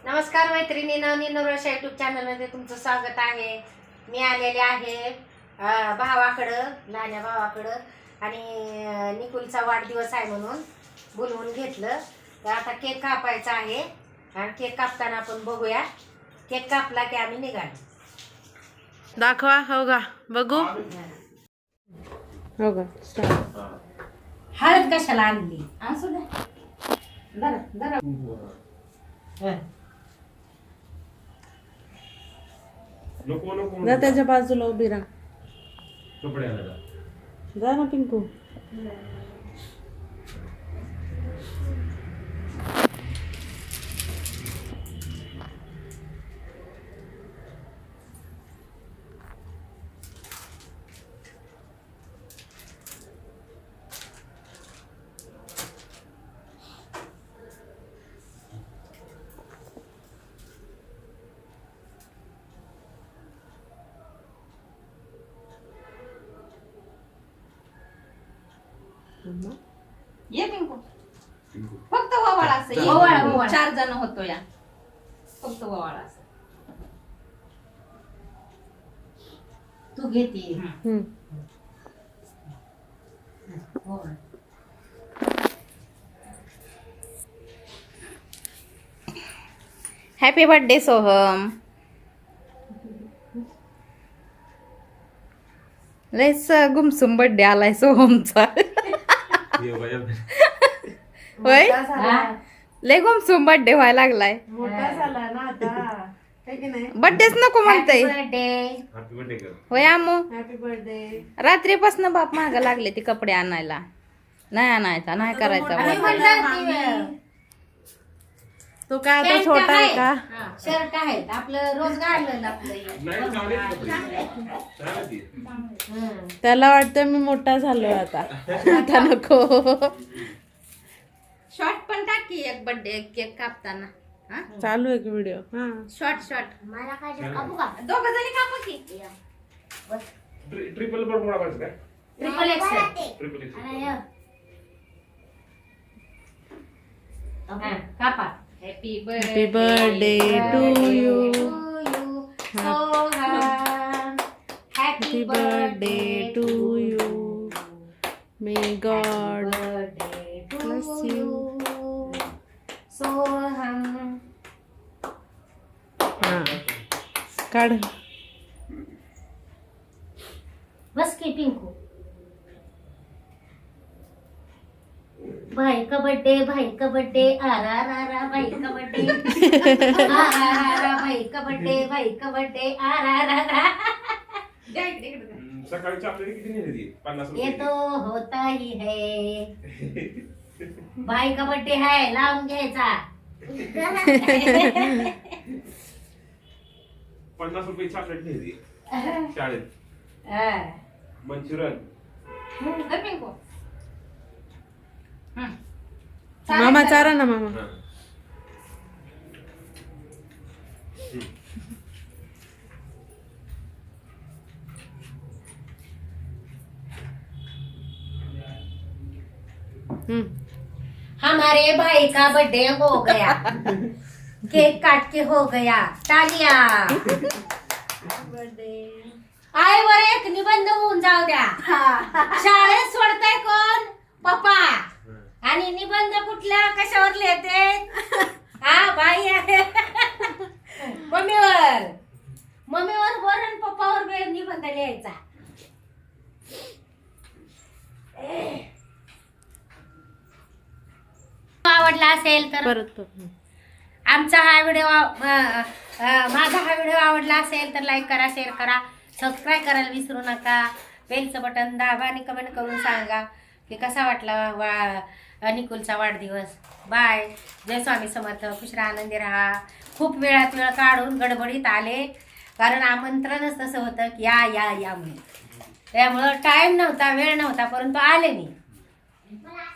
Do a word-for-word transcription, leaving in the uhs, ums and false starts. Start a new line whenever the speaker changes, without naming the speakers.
नमस्कार मैत्रिणी, नवनी नवराशा यूट्यूब चॅनलमध्ये तुमचं स्वागत आहे। मी आलेले आहे भावाकडं, लहान्या भावाकडं, आणि निकुलचा वाढदिवस आहे म्हणून बोलवून घेतलं। तर आता केक कापायचा आहे आणि केक कापताना आपण बघूया। केक कापला की आम्ही निघालो।
दाखवा, हो का बघू, हो का।
हळद कशाला आणली? असू द्या, जरा जरा
नको नको
जा त्याच्या बाजूला उभी राहा,
कपडे आणायला
जा ना पिंकू।
ये पिंकू, फक्त ववाळा असं ये.
ववाळा, ववाळा.
चार जण होतो या, फक्त ववाळा असं.
तू घेते।
हम्म।
Happy birthday Soham. लयच गुमसुम बर्थडे आलाय सोहमचा। होय, लय गुमसुम बर्थडे व्हायला लागलाय।
मोठा झाला ना आता, है की नाही?
बर्थडेच नको म्हणताय।
बर्थडे।
हॅपी बर्थडे कर।
होय आमो,
हॅपी बर्थडे।
रात्रीपासून बाप माग लागले ते कपडे आणायला, नाही आणायचा, नाही करायचा
आम्ही
birthday.
म्हणलं ती
तो काय आता
पॅन्ट
छोटा आहे का?
हा, शर्ट आहेत आपलं रोज घाललेलं आपलं हे.
नाही चालेल कपडे चालेल ती.
हम्म.
त्याला वाटतं मी मोठा झालोय आता, आता नको।
शॉर्ट पण टाकी एक बर्थडे केक कापताना। हा,
चालू आहे की व्हिडिओ? हा,
शॉर्ट शॉर्ट
मला काय कापू का?
दोघ जणी कापा की।
ट्रि- ट्रिपल बर मोडा करायचं काय?
Triple XL.
ट्रिपल एक्स
हा, कापा।
Happy
happy birthday to you,
Soham,
happy birthday to you, may God bless you.
Soham.
हा काढ।
बस की पिंकू। भाई का बर्थडे, भाई का बर्थडे, आरा रा रा भाई का बर्थडे, आरा रा रा भाई का बर्थडे, भाई का बर्थडे, आरा रा रा।
सकाळी चॉकलेट किती नेली ती? पन्नास
ये
रुपये
तो होता ही है, भाई का बर्थडे है, लावून घ्यायचा।
पन्नास रुपये चॉकलेट नेली शाळेत,
हा.
मंचुरन।
पिंकू
मामा चारा ना मामा।
हा.
हम्म।
हमारे भाई का बर्थडे हो गया, केक काट के हो गया, तालिया। आईवर एक निबंध होऊन जाऊ द्या। शाळेत सोडताय कोण? पप्पा। आणि निबंध कुठल्या कशावर लिहिते? हा बाई आहे मम्मीवर, मम्मीवर वर आणि पप्पावर बी निबंध लिहायचा। आवडला असेल तर
परत परत।
आमचा हा व्हिडिओ माझा हा व्हिडिओ आवडला असेल तर लाईक करा, शेअर करा, सबस्क्राईब करायला विसरू नका। बेलचं बटन दाबा आणि कमेंट करून सांगा की कसा वाटला वा निकुलचा वाढदिवस। बाय, जय स्वामी समर्थ, खुश राहा, आनंदी राहा। खूप वेळात वेळ काढून गडबडीत आले, कारण आमंत्रणच तसं होतं की या या या म्हणून, त्यामुळं टाईम नव्हता, वेळ नव्हता, परंतु आले मी।